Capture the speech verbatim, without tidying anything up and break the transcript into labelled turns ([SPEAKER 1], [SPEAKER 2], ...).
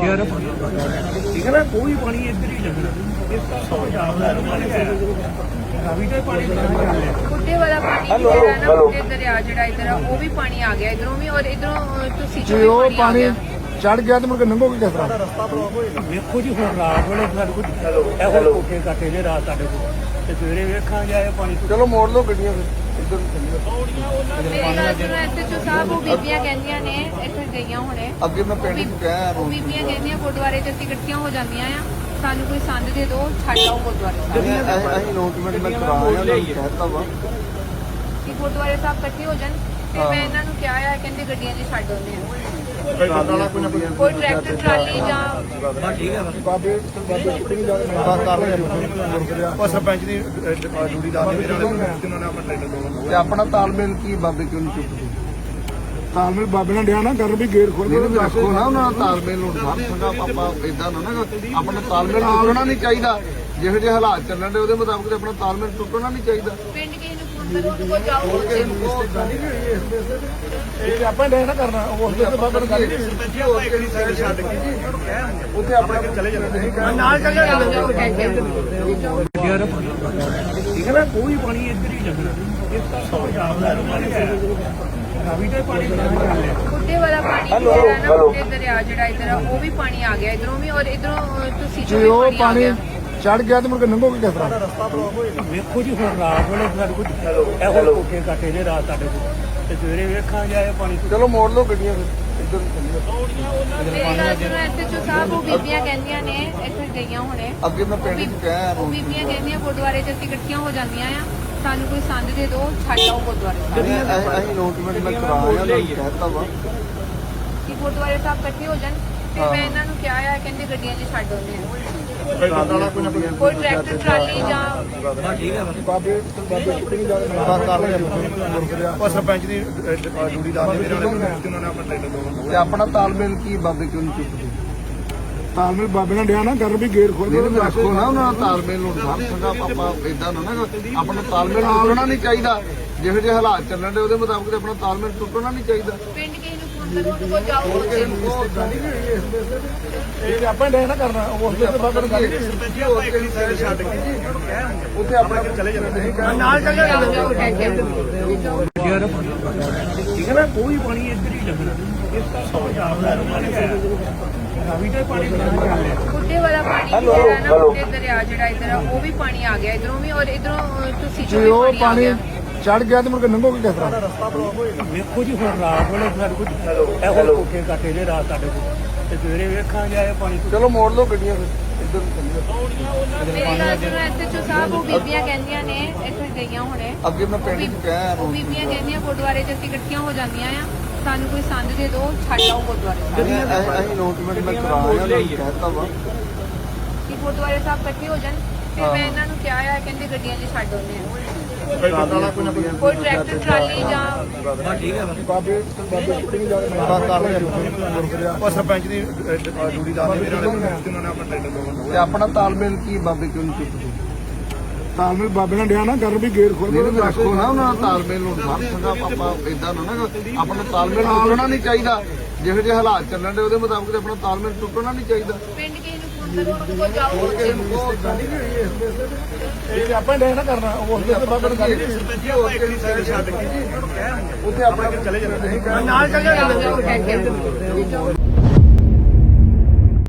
[SPEAKER 1] ठीक है ना, कोई पानी इधर ही लगना इसका
[SPEAKER 2] बुड्ढे वाला पानी ਜਿਹੜਾ ਨਾ ਬੁੱਢੇ ਦਰਿਆ ਜਿਹੜਾ ਇਧਰ ਆ ਉਹ ਵੀ ਪਾਣੀ ਆ ਗਿਆ ਇਧਰੋਂ ਵੀ ਔਰ ਇਧਰੋਂ ਤੁਸੀਂ
[SPEAKER 3] ਜੇ ਉਹ ਪਾਣੀ ਚੜ ਗਿਆ ਤੇ ਮੁੜ ਕੇ ਲੰਘੋਗੇ ਕਿਸ ਤਰ੍ਹਾਂ?
[SPEAKER 1] ਵੇਖੋ ਜੀ ਹੁਣ ਰਾਤ ਵੇਲੇ ਸਾਡੇ ਕੋਲ ਇਹੋ ਕੋਠੇ ਕਾਟੇ ਨੇ ਰਾਤ ਸਾਡੇ ਕੋਲ ਤੇ ਸਵੇਰੇ ਵੇਖਾਂਗੇ ਆਏ ਪਾਣੀ।
[SPEAKER 3] ਚਲੋ ਮੋੜ ਲਓ ਗੱਡੀਆਂ ਫਿਰ ਇੱਧਰ ਨੂੰ ਚੱਲੀਏ।
[SPEAKER 2] ਮੇਰੀ ਗੱਲ ਸੁਣੋ ਐਸਐਚਓ ਸਾਹਿਬ ਉਹ ਬੀਬੀਆਂ ਕਹਿੰਦੀਆਂ ਨੇ ਇੱਥੇ ਗਈਆਂ ਹੁਣੇ
[SPEAKER 3] ਅੱਗੇ ਮੈਂ ਪਿੰਡ ਨੂੰ ਕਹਿਆ
[SPEAKER 2] ਉਹ ਬੀਬੀਆਂ ਕਹਿੰਦੀਆਂ ਗੁਰਦੁਆਰੇ ਚ ਅਸੀਂ ਇਕੱਠੀਆਂ ਹੋ ਜਾਂਦੀਆਂ ਆ ਸਾਨੂੰ ਕੋਈ ਸੰਦ ਦੇ ਦਿਓ ਛੱਡ ਆਓ ਗੁਰਦੁਆਰੇ ਸਾਹਿਬ।
[SPEAKER 3] ਅਸੀਂ ਨੋਟਮੈਂਟ ਮੈਂ ਕਰਾਇਆ ਉਹਨਾਂ ਨੂੰ ਕਹਿਤਾ ਵਾ
[SPEAKER 2] ਕਿ ਗੁਰਦੁਆਰੇ ਸਾਹਿਬ ਇਕੱਠੇ ਹੋ ਜਾਣ ਤੇ ਮੈਂ ਇਹਨਾਂ ਨੂੰ ਕਿਹਾ ਆ ਕਹਿੰਦੇ ਗੱਡੀਆਂ 'ਚ ਛੱਡ ਆਉਂਦੇ ਆ ਕੋਈ ਟਰੈਕਟਰ ਟਰਾਲੀ ਜਾਂ
[SPEAKER 3] ਬਾਬੇ ਬਾਬੇ ਕਿਹੜੀ ਜਾ ਕਰ ਰਹੇ
[SPEAKER 1] ਉਹ ਸਰਪੰਚ ਦੀ ਡਿਊਟੀ ਲਾ ਦੇ ਮੇਰੇ ਨਾਲ ਜਿਨ੍ਹਾਂ ਨੇ ਆਪਣਾ ਟ੍ਰੇਨਰ ਲਾਉਣਾ
[SPEAKER 3] ਤੇ ਆਪਣਾ ਤਾਲਮੇਲ ਕੀ ਬਾਬੇ ਕਿਉਂ ਨਹੀਂ ਚੁੱਕਦੇ? ਤਾਲਮੇਲ ਬਾਬੇ ਨਾਲ ਡਿਆ ਨਾ ਕਰ ਵੀ ਗੇਟ ਖੋਲ ਕੇ ਰੱਖੋ ਨਾ ਉਹਨਾਂ ਦਾ ਤਾਲਮੇਲ ਨੂੰ ਸਾਰ ਸੰਗਾ ਆਪਾਂ ਇਦਾਂ ਨਾ ਨਾ ਆਪਣਾ ਤਾਲਮੇਲ ਟੁੱਟਣਾ ਨਹੀਂ ਚਾਹੀਦਾ। ਜਿਹੋ ਜਿਹੇ ਹਾਲਾਤ ਚੱਲਣ ਦੇ ਉਹਦੇ ਮੁਤਾਬਕ ਆਪਣਾ ਤਾਲਮੇਲ ਟੁੱਟਣਾ ਨਹੀਂ ਚਾਹੀਦਾ।
[SPEAKER 2] ਪਿੰਡ ਕਿਸੇ ਨੂੰ ਫੋਨ ਕਰੋ ਉਹਨੂੰ ਕੋਲ ਜਾਓ ਉੱਥੇ
[SPEAKER 3] ਇਹ ਆਪਾਂ ਡਿਆ ਨਾ ਕਰਨਾ ਉਸ ਦੇ ਬਾਬੇ ਨੂੰ ਗੱਲ ਉੱਥੇ ਆਪਣੇ ਚਲੇ ਜਾਂਦੇ
[SPEAKER 1] ਨਾਲ ਚੱਲ
[SPEAKER 2] ਜਾਓ ਜਾਓ ਕਹਿ ਕੇ
[SPEAKER 1] ठीक है ना, कोई पानी इधर ही लगना इसका
[SPEAKER 2] ਬੁੱਢੇ ਵਾਲਾ ਪਾਣੀ ਜਿਹੜਾ ਨਾ ਬੁੱਢੇ ਦਰਿਆ ਜਿਹੜਾ ਇਧਰ ਆ ਉਹ ਵੀ ਪਾਣੀ ਆ ਗਿਆ ਇਧਰੋਂ ਵੀ ਔਰ ਇਧਰੋਂ ਤੁਸੀਂ
[SPEAKER 3] ਜੇ ਉਹ ਪਾਣੀ ਚੜ ਗਿਆ ਤੇ ਮੁੜ ਕੇ ਲੰਘੋਗੇ ਕਿਸ ਤਰ੍ਹਾਂ?
[SPEAKER 1] ਵੇਖੋ ਜੀ ਹੁਣ ਰਾਤ ਵੇਲੇ ਸਾਡੇ ਕੋਲ ਇਹੋ ਕੋਠੇ ਕਾਟੇ ਨੇ ਰਾਤ ਸਾਡੇ ਕੋਲ ਤੇ ਸਵੇਰੇ ਵੇਖਾਂਗੇ ਆਏ ਪਾਣੀ।
[SPEAKER 3] ਚਲੋ ਮੋੜ ਲਓ ਗੱਡੀਆਂ ਫਿਰ ਇੱਧਰ ਨੂੰ ਚੱਲੀਏ।
[SPEAKER 2] ਮੇਰੀ ਗੱਲ ਸੁਣੋ ਐਸਐਚਓ ਸਾਹਿਬ ਉਹ ਬੀਬੀਆਂ ਕਹਿੰਦੀਆਂ ਨੇ ਇੱਥੇ ਗਈਆਂ ਹੁਣੇ
[SPEAKER 3] ਅੱਗੇ ਮੈਂ ਪਿੰਡ ਨੂੰ ਕਹਿਆ
[SPEAKER 2] ਉਹ ਬੀਬੀਆਂ ਕਹਿੰਦੀਆਂ ਗੁਰਦੁਆਰੇ 'ਚ ਅਸੀਂ ਇਕੱਠੀਆਂ ਹੋ ਜਾਂਦੀਆਂ ਆ ਸਾਨੂੰ ਕੋਈ ਸੰਦ ਦੇ ਦਿਓ ਛੱਡ ਆਓ ਗੁਰਦੁਆਰੇ ਸਾਹਿਬ।
[SPEAKER 3] ਅਸੀਂ ਨੋਟਮੈਂਟ ਮੈਂ ਕਰਾਇਆ ਉਹਨਾਂ ਨੂੰ ਕਹਿਤਾ ਵਾ
[SPEAKER 2] ਕਿ ਗੁਰਦੁਆਰੇ ਸਾਹਿਬ ਇਕੱਠੇ ਹੋ ਜਾਣ ਤੇ ਮੈਂ ਇਹਨਾਂ ਨੂੰ ਕਿਹਾ ਆ ਕਹਿੰਦੇ ਗੱਡੀਆਂ 'ਚ ਛੱਡ ਆਉਂਦੇ ਆ ਕੋਈ ਟਰੈਕਟਰ ਟਰਾਲੀ ਜਾਂ
[SPEAKER 3] ਬਾਬੇ ਬਾਬੇ ਕਿਹੜੀ ਜਾ ਕਰ ਰਹੇ
[SPEAKER 1] ਉਹ ਸਰਪੰਚ ਦੀ ਡਿਊਟੀ ਲਾ ਦੇ ਮੇਰੇ ਨਾਲ ਜਿਨ੍ਹਾਂ ਨੇ ਆਪਣਾ ਟ੍ਰੇਨਰ ਲਾਉਣਾ
[SPEAKER 3] ਤੇ ਆਪਣਾ ਤਾਲਮੇਲ ਕੀ ਬਾਬੇ ਕਿਉਂ ਨਹੀਂ ਚੁੱਕਦੇ? ਤਾਲਮੇਲ ਬਾਬੇ ਨਾਲ ਡਿਆ ਨਾ ਕਰ ਵੀ ਗੇਟ ਖੋਲ ਕੇ ਰੱਖੋ ਨਾ ਉਹਨਾਂ ਦਾ ਤਾਲਮੇਲ ਨੂੰ ਸਾਰ ਸੰਗਾ ਆਪਾਂ ਇਦਾਂ ਨਾ ਨਾ ਆਪਣਾ ਤਾਲਮੇਲ ਟੁੱਟਣਾ ਨਹੀਂ ਚਾਹੀਦਾ। ਜਿਹੋ ਜਿਹੇ ਹਾਲਾਤ ਚੱਲਣ ਦੇ ਉਹਦੇ ਮੁਤਾਬਕ ਆਪਣਾ ਤਾਲਮੇਲ ਟੁੱਟਣਾ ਨਹੀਂ ਚਾਹੀਦਾ।
[SPEAKER 2] ਪਿੰਡ ਕਿਸੇ ਨੂੰ ਫੋਨ ਕਰੋ ਉਹਨੂੰ ਕੋਲ ਜਾਓ ਉੱਥੇ
[SPEAKER 3] ਇਹ ਆਪਾਂ ਡਿਆ ਨਾ ਕਰਨਾ ਉਸ ਦੇ ਬਾਬੇ ਨੂੰ ਗੱਲ ਉੱਥੇ ਆਪਣੇ
[SPEAKER 1] ਚਲੇ ਜਾਂਦੇ
[SPEAKER 2] ਨਾਲ ਚੱਲ ਜਾਓ ਜਾਓ ਕਹਿ ਕੇ
[SPEAKER 1] ठीक है ना, कोई पानी इधर ही लगना इसका
[SPEAKER 2] ਬੁੱਢੇ ਵਾਲਾ ਪਾਣੀ ਜਿਹੜਾ ਨਾ ਬੁੱਢੇ ਦਰਿਆ ਜਿਹੜਾ ਇਧਰ ਆ ਉਹ ਵੀ ਪਾਣੀ ਆ ਗਿਆ ਇਧਰੋਂ ਵੀ ਔਰ ਇਧਰੋਂ ਤੁਸੀਂ
[SPEAKER 3] ਜੇ ਉਹ ਪਾਣੀ ਚੜ ਗਿਆ ਤੇ ਮੁੜ ਕੇ ਲੰਘੋਗੇ ਕਿਸ ਤਰ੍ਹਾਂ?
[SPEAKER 1] ਵੇਖੋ ਜੀ ਹੁਣ ਰਾਤ ਵੇਲੇ ਸਾਡੇ ਕੋਲ ਇਹੋ ਕੋਠੇ ਕਾਟੇ ਨੇ ਰਾਤ ਸਾਡੇ ਕੋਲ ਤੇ ਸਵੇਰੇ ਵੇਖਾਂਗੇ ਆਏ ਪਾਣੀ।
[SPEAKER 3] ਚਲੋ ਮੋੜ ਲਓ ਗੱਡੀਆਂ ਫਿਰ ਇੱਧਰ ਨੂੰ ਚੱਲੀਏ।
[SPEAKER 2] ਮੇਰੀ ਗੱਲ ਸੁਣੋ ਐਸਐਚਓ ਸਾਹਿਬ ਉਹ ਬੀਬੀਆਂ ਕਹਿੰਦੀਆਂ ਨੇ ਇੱਥੇ ਗਈਆਂ ਹੁਣੇ
[SPEAKER 3] ਅੱਗੇ ਮੈਂ ਪਿੰਡ ਨੂੰ ਕਹਿਆ
[SPEAKER 2] ਉਹ ਬੀਬੀਆਂ ਕਹਿੰਦੀਆਂ ਗੁਰਦੁਆਰੇ 'ਚ ਅਸੀਂ ਇਕੱਠੀਆਂ ਹੋ ਜਾਂਦੀਆਂ ਆ ਸਾਨੂੰ ਕੋਈ ਸੰਦ ਦੇ ਦਿਓ ਛੱਡ ਆਓ ਗੁਰਦੁਆਰੇ ਸਾਹਿਬ।
[SPEAKER 3] ਅਸੀਂ ਨੋਟਮੈਂਟ ਮੈਂ ਕਰਾਇਆ ਉਹਨਾਂ ਨੂੰ ਕਹਿਤਾ ਵਾ
[SPEAKER 2] ਕਿ ਗੁਰਦੁਆਰੇ ਸਾਹਿਬ ਇਕੱਠੇ ਹੋ ਜਾਣ ਤੇ ਮੈਂ ਇਹਨਾਂ ਨੂੰ ਕਿਹਾ ਆ ਕਹਿੰਦੇ ਗੱਡੀਆਂ 'ਚ ਛੱਡ ਆਉਂਦੇ ਆ ਕੋਈ ਟਰੈਕਟਰ ਟਰਾਲੀ ਜਾਂ
[SPEAKER 3] ਬਾਬੇ ਬਾਬੇ ਕਿਹੜੀ ਜਾ ਕਰ ਰਹੇ
[SPEAKER 1] ਉਹ ਸਰਪੰਚ ਦੀ ਡਿਊਟੀ ਲਾ ਦੇ ਮੇਰੇ ਨਾਲ ਜਿਨ੍ਹਾਂ ਨੇ ਆਪਣਾ ਟ੍ਰੇਨਰ ਲਾਉਣਾ
[SPEAKER 3] ਤੇ ਆਪਣਾ ਤਾਲਮੇਲ ਕੀ ਬਾਬੇ ਕਿਉਂ ਨਹੀਂ ਚੁੱਕਦੇ? ਤਾਲਮੇਲ ਬਾਬੇ ਨਾਲ ਡਿਆ ਨਾ ਕਰ ਵੀ ਗੇਟ ਖੋਲ ਕੇ ਰੱਖੋ ਨਾ ਉਹਨਾਂ ਦਾ ਤਾਲਮੇਲ ਨੂੰ ਸਾਰ ਸੰਗਾ ਆਪਾਂ ਇਦਾਂ ਨਾ ਨਾ ਆਪਣਾ ਤਾਲਮੇਲ ਟੁੱਟਣਾ ਨਹੀਂ ਚਾਹੀਦਾ। ਜਿਹੋ ਜਿਹੇ ਹਾਲਾਤ ਚੱਲਣ ਦੇ ਉਹਦੇ ਮੁਤਾਬਕ ਆਪਣਾ ਤਾਲਮੇਲ ਟੁੱਟਣਾ ਨਹੀਂ ਚਾਹੀਦਾ।
[SPEAKER 2] ਪਿੰਡ ਕਿਸੇ ਨੂੰ ਫੋਨ ਕਰੋ ਉਹਨੂੰ ਕੋਲ ਜਾਓ ਉੱਥੇ
[SPEAKER 3] ਇਹ ਆਪਾਂ ਡਿਆ ਨਾ ਕਰਨਾ ਉਸ ਦੇ ਬਾਬੇ ਨੂੰ ਗੱਲ
[SPEAKER 1] ਛੱਡ ਕੇ
[SPEAKER 3] ਉੱਥੇ ਆਪਣੇ
[SPEAKER 1] ਚਲੇ ਜਾਂਦੇ
[SPEAKER 2] ਨਾਲ ਚੱਲ ਜਾਓ ਜਾਓ ਕਹਿ ਕੇ